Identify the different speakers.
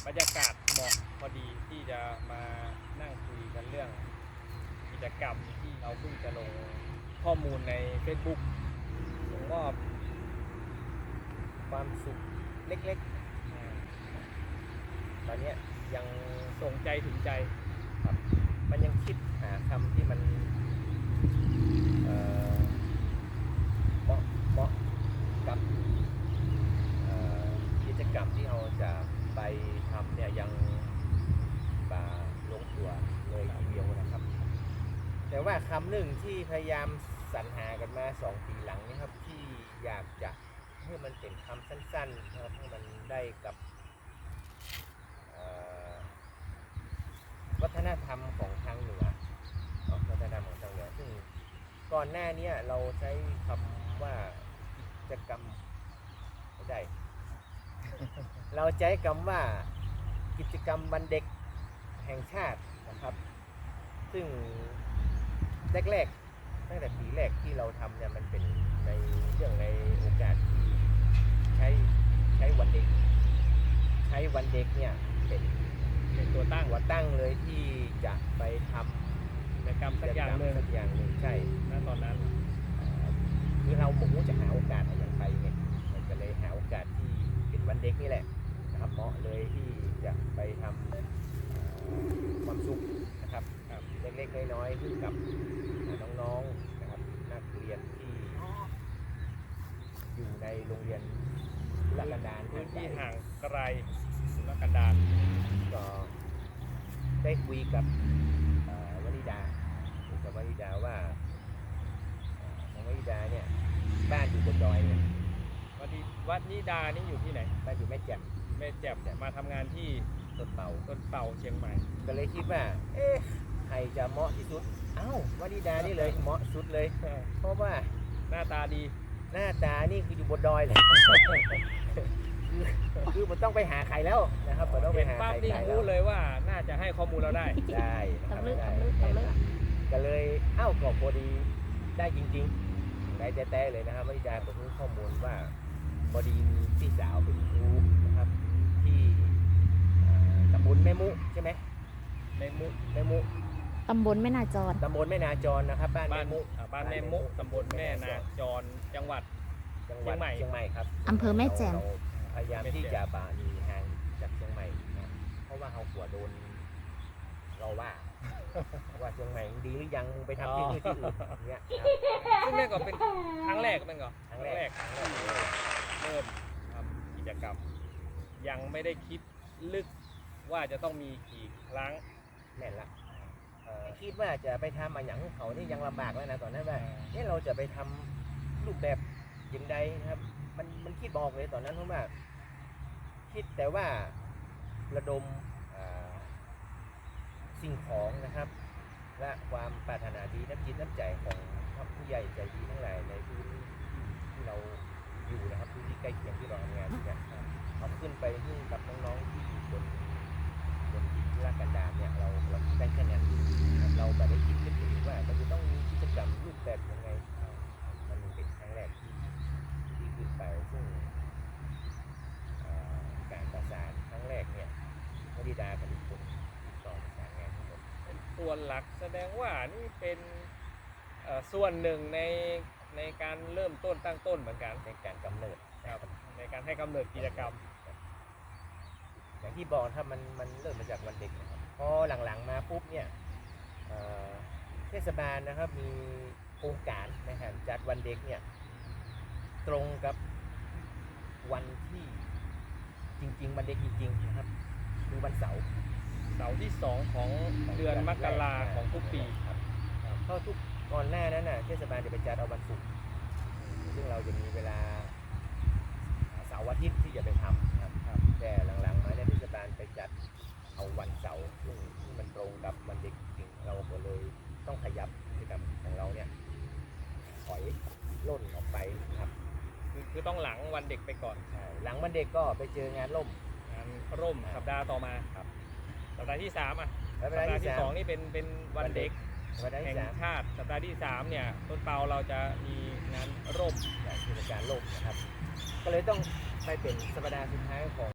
Speaker 1: บรรยากาศเหมาะพอดีที่จะมานั่งคุยกันเรื่องกิจกรรมที่เราเพิ่งจะลงข้อมูลใน Facebook ผมก็
Speaker 2: ความสุขเล็กๆตอนนี้ยัง
Speaker 1: ส่งใจถึงใจ
Speaker 2: ครับมันยังคิดหาคำที่มันเหมาะกับกิจกรรมที่เราจะไปทำเนี่ยยังลงตัวเลยทีเดียวนะครับแต่ว่าคำหนึ่งที่พยายามสรรหากันมา2 ปีหลังนี้ครับที่อยากจะให้มันเป็นคำสั้นๆนะครับให้มันได้กับวัฒนธรรมของทางเหนือวัฒนธรรมของทางเหนือซึ่งก่อนหน้านี้เราใช้คำว่ากิจกรรมไม่ได้ เราใช้คำว่ากิจกรรมวันเด็กแห่งชาตินะครับซึ่งแรกๆตั้งแต่ปีแรกที่เราทำเนี่ยมันเป็นในเรื่องในโอกาสที่ใช้วันเด็กเนี่ยเป็นตัวตั้งเลยที่จะไปทำ
Speaker 1: กิจกรรมสักอย่างหนึ่ง
Speaker 2: ใช่
Speaker 1: ณตอนนั้น
Speaker 2: คือเราหมุ่งจะหาโอกาสอย่างไปไงมันก็เลยหาโอกาสที่เป็นวันเด็กนี่แหละนะครับเหมาะเลยที่จะไปทำความสุขนะครับเล็กๆน้อยๆให้กับน้องๆนะครับนักเรียนที่อยู่ในโรงเรียนธุรกันดาร
Speaker 1: พื้นที่ห่างไกลธุรกันดาร
Speaker 2: ก็ได้คุยกับวนิดาว่าน้องวนิดาเนี่ยบ้านอยู่บนดอยเนี่ย
Speaker 1: วัดนิดานี่อยู่ที่ไหน
Speaker 2: บ้านอยู่แม่แจ่ม
Speaker 1: มาทำงานที่
Speaker 2: ต้นเป่า
Speaker 1: เชียงใหม่
Speaker 2: ก็เลยคิดว่าใครจะเหมาะที่สุดวนิดานี่เลยเหมาะสุดเลยเพราะว่า
Speaker 1: หน้าตา
Speaker 2: นี่คืออยู่บนดอยเลยคือมันต้องไปหาใครแล้วนะครับมันต้องไปหาใคร
Speaker 1: นี่รู้เลยว่าน่าจะให้ข้อมูลเราได้
Speaker 2: นะครับก็เลยก็พอดีได้จริงๆได้แท้ๆเลยนะครับวนิดาผมรู้ข้อมูลว่าพอดีมีพี่สาวเป็นครูนะครับที่ตำบลแม่มุใช่ไหมแม่มุ
Speaker 3: ตำบลแม่นาจร
Speaker 2: นะครับบ้านแม่มุ
Speaker 1: ตำบลแม่นาจรจังหวัด
Speaker 2: เชียงใหม่ครับ
Speaker 3: อำเภอแม่แจ่ม
Speaker 2: พยายามที่จะบานีห่างจากเชียงใหม่นะเพราะว่าเขาหัวโดนเราว่าเชียงใหม่ดีหรือยังไปทำที่อื่นเนี่ย
Speaker 1: ซึ่งนั่นก็เป็นครั้งแรกมันก็ครั้งแรกเริ่มทำกิจกรรมยังไม่ได้คิดลึกว่าจะต้องมีกี่ครั้ง
Speaker 2: แน่นละคิดว่าจะไปทำมาอย่างเขานี่ยังลำบากแล้วนะตอนนั้นว่าเราจะไปทำรูปแบบยังไงนะครับมันคิดบอกเลยตอนนั้นเพราะว่าคิดแต่ว่าระดมสิ่งของนะครับและความปรารถนาดีน้ำจิตน้ำใจของผู้ใหญ่ใจดีทั้งหลายในพื้นที่เราอยู่นะครับพื้นที่ใกล้เคียงที่เราทำงานเนี่ยเอาขึ้นไปให้กับน้องๆที่อยู่บนธุรกันดารเนี่ยเราได้แค่นั้นเราแบบได้คิดถึงว่ามันจะต้องมีกิจกรรมรูปแบบยังไงมันเป็นครั้งแรกที่ขึ้นไปซึ่งการประสานครั้งแรกเนี่ยวนิดากับทุกคนติดต่อประสานงานทั้งหมด
Speaker 1: เป็นส่วนหลักแสดงว่านี่เป็นส่วนหนึ่งในการเริ่มต้นตั้งต้นเหมือนกัน
Speaker 2: ในการกำเนิด
Speaker 1: ในการให้กำเนิดกิจกรรม
Speaker 2: อย่างที่บอกถ้ามันเริ่มมาจากวันเด็กนะครับพอหลังๆมาปุ๊บเนี่ยเทศบาลนะครับมีโครงการนะครับจัดวันเด็กเนี่ยตรงกับวันที่จริงๆวันเด็กจริงๆนะครับคือวันเสาร์
Speaker 1: ที่2ของเดือนมกราของทุกปี
Speaker 2: ครับเพราะทุกก่อนหน้านั้นน่ะเทศบาลจะไปจัดเอาวันศุกร์ซึ่งเราจะมีเวลาเสาร์อาทิตย์ที่จะไปทำครับแต่หลังๆมาเนี่ยเทศบาลไปจัดเอาวันเสาร์ซึ่งมันตรงกับวันเด็กจริงเราก็เลยต้องขยับกิจกรรมของเราเนี่ยถอยล่นออกไปครับ
Speaker 1: คือต้องหลังวันเด็กไปก่อน
Speaker 2: หลังวันเด็กก็ไปเจองานร่ม
Speaker 1: สัปดาห์ต่อมา
Speaker 2: ครับ
Speaker 1: สัปดาห์ที่3สัปดาห์ที่2นี่เป็นวันเด็กแห่งชาติสัปดาห์ที่3เนี่ยต้นเปาเราจะมีงานร่ม
Speaker 2: กิจการร่มนะครับก็เลยต้องไปเป็นสัปดาห์สุดท้ายของ